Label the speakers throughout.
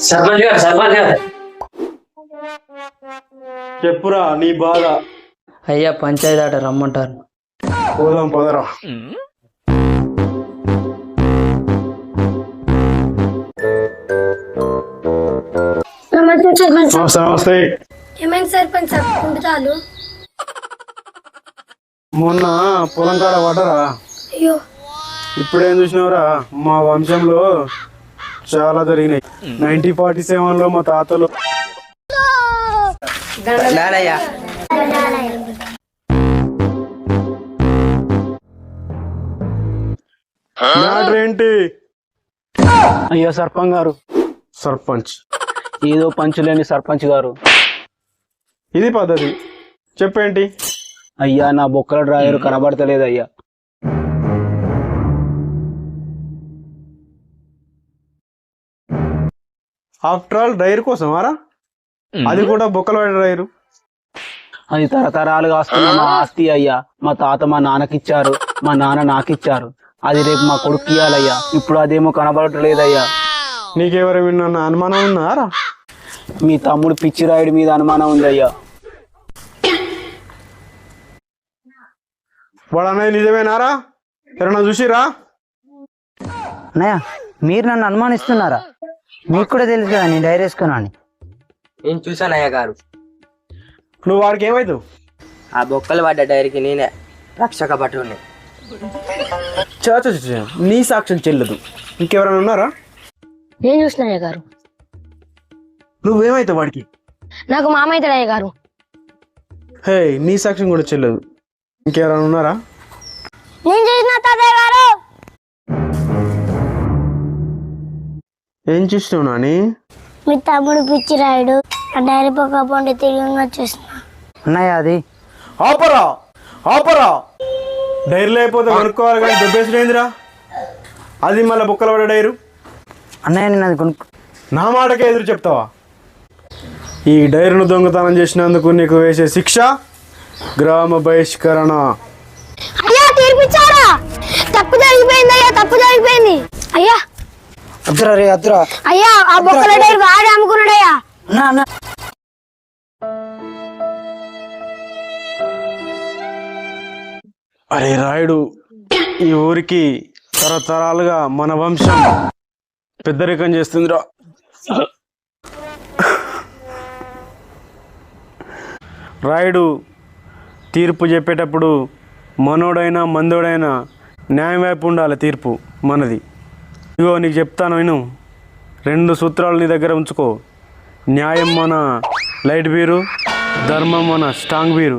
Speaker 1: సర్పంచ్ గారు
Speaker 2: చెప్పురా నీ బాధ.
Speaker 3: అయ్యా పంచాయతీ ఆట రమ్మంటారు.
Speaker 2: పోదాం పదరా. నమస్తే.
Speaker 4: ఏమైంది సర్పంచ్ కుంటుతాలు?
Speaker 2: మొన్న పొలం కాడ పడరా?
Speaker 4: అయ్యో
Speaker 2: ఇప్పుడేం చూసినవరా, మా వంశంలో చాలా జరిగినాయి. 1947లో మా తాతలు ఏంటి?
Speaker 5: అయ్యో సర్పంచ్ గారు.
Speaker 2: సర్పంచ్
Speaker 5: ఏదో పంచులేని సర్పంచ్ గారు.
Speaker 2: ఇది పద్ధతి. చెప్పేంటి?
Speaker 5: అయ్యా నా బొక్కల డ్రాయర్ కనబడతలేదు అయ్యా.
Speaker 2: ఆఫ్టర్ ఆల్ డైర్ కోసం ఆరా? అది కూడా బొక్కల డ్రైరు.
Speaker 5: అది తరతరాలుగా వస్తున్న మా ఆస్తి అయ్యా. మా తాత మా నాన్నకిచ్చారు, మా నాన్న నాకిచ్చారు. అది రేపు మా కొడుకు ఇయ్యాలయ్యా. ఇప్పుడు అదేమో కనబడట్లేదయ్యా.
Speaker 2: నీకెవరేమన్నా అనుమానం ఉన్నారా?
Speaker 5: మీ తమ్ముడు పిచ్చిరాయుడి మీద అనుమానం ఉందయ్యా.
Speaker 2: వాడు అనేది నిజమేనారా? ఎవరన్నా చూసిరా?
Speaker 3: అన్నయ్య మీరు నన్ను అనుమానిస్తున్నారా? మీకు కూడా తెలుసు కదా నేను డైరీ వేసుకున్నాను.
Speaker 1: నేను చూసానయ్య గారు.
Speaker 2: నువ్వు వాడికి ఏమైతావు?
Speaker 1: ఆ బొక్కలు పడ్డ డైరీకి నేనే రక్షక భటుని.
Speaker 2: నీ సాక్ష్యం చెల్లదు. ఇంకెవరైనా ఉన్నారా?
Speaker 4: నేను చూసిన అయ్య గారు.
Speaker 2: నువ్వేమైతావు వాడికి?
Speaker 4: నాకు మామ అవుతాడు అయ్య గారు.
Speaker 2: హే, నీ సాక్ష్యం కూడా చెల్లదు. ఇంకెవరైనా ఉన్నారా?
Speaker 4: నేను చూసిన తాతయ్య గారు.
Speaker 2: ఏం చూసినావు నాని?
Speaker 4: మీ తమ్ముడు పిచ్చి రాయుడు ఆ డైరీ పక్క పండి తిరిగి చూసిన.
Speaker 3: అన్నయ్య అది
Speaker 2: ఆపరా ఆపరా. డైరీలో అయిపోతే కొనుక్కోవాలి కానీ దెబ్బేసినైందిరా. అది మళ్ళీ బుక్కలు పడే డైరు.
Speaker 3: అన్నయ్య నేను అది కొనుక్కో.
Speaker 2: నా మాటకే ఎదురు చెప్తావా? ఈ డైరును దొంగతనం చేసినందుకు నీకు వేసే శిక్ష గ్రామ బహిష్కరణ.
Speaker 4: అయ్యా తీర్పిచ్చారా? తప్పు జరిగిపోయింది అయ్యా, తప్పు జరిగిపోయింది అయ్యా.
Speaker 3: అద్దురా రే అద్దురా.
Speaker 4: అయ్యా ఆ బొక్కల డైరీ వాడే అమ్ముకున్నాడయ్యా.
Speaker 2: అరే రాయుడు, ఈ ఊరికి తరతరాలుగా మన వంశం పెద్దరికం చేస్తుందిరా. రాయుడు తీర్పు చెప్పేటప్పుడు మనోడైనా మందోడైనా న్యాయం వైపు ఉండాలి. తీర్పు మనది. ఇగో నీకు చెప్తాను విను. 2 సూత్రాలు నీ దగ్గర ఉంచుకో. న్యాయం మన లైట్ బీరు, ధర్మం మన స్ట్రాంగ్ బీరు.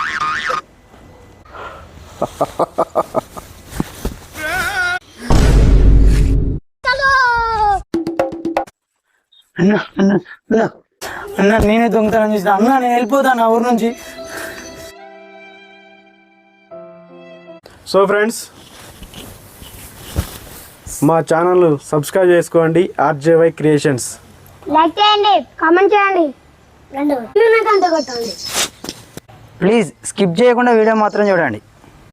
Speaker 3: అన్న నేనే దొంగతనం చేసిన. అన్న నేను వెళ్ళిపోతాను ఆ ఊరు నుంచి.
Speaker 2: సో ఫ్రెండ్స్, మా ఛానల్ సబ్స్క్రైబ్ చేసుకోండి. RJY creations.
Speaker 4: లైక్ చేయండి, కామెంట్ చేయండి, ప్లీజ్ స్కిప్ చేయకుండా వీడియో మాత్రం చూడండి.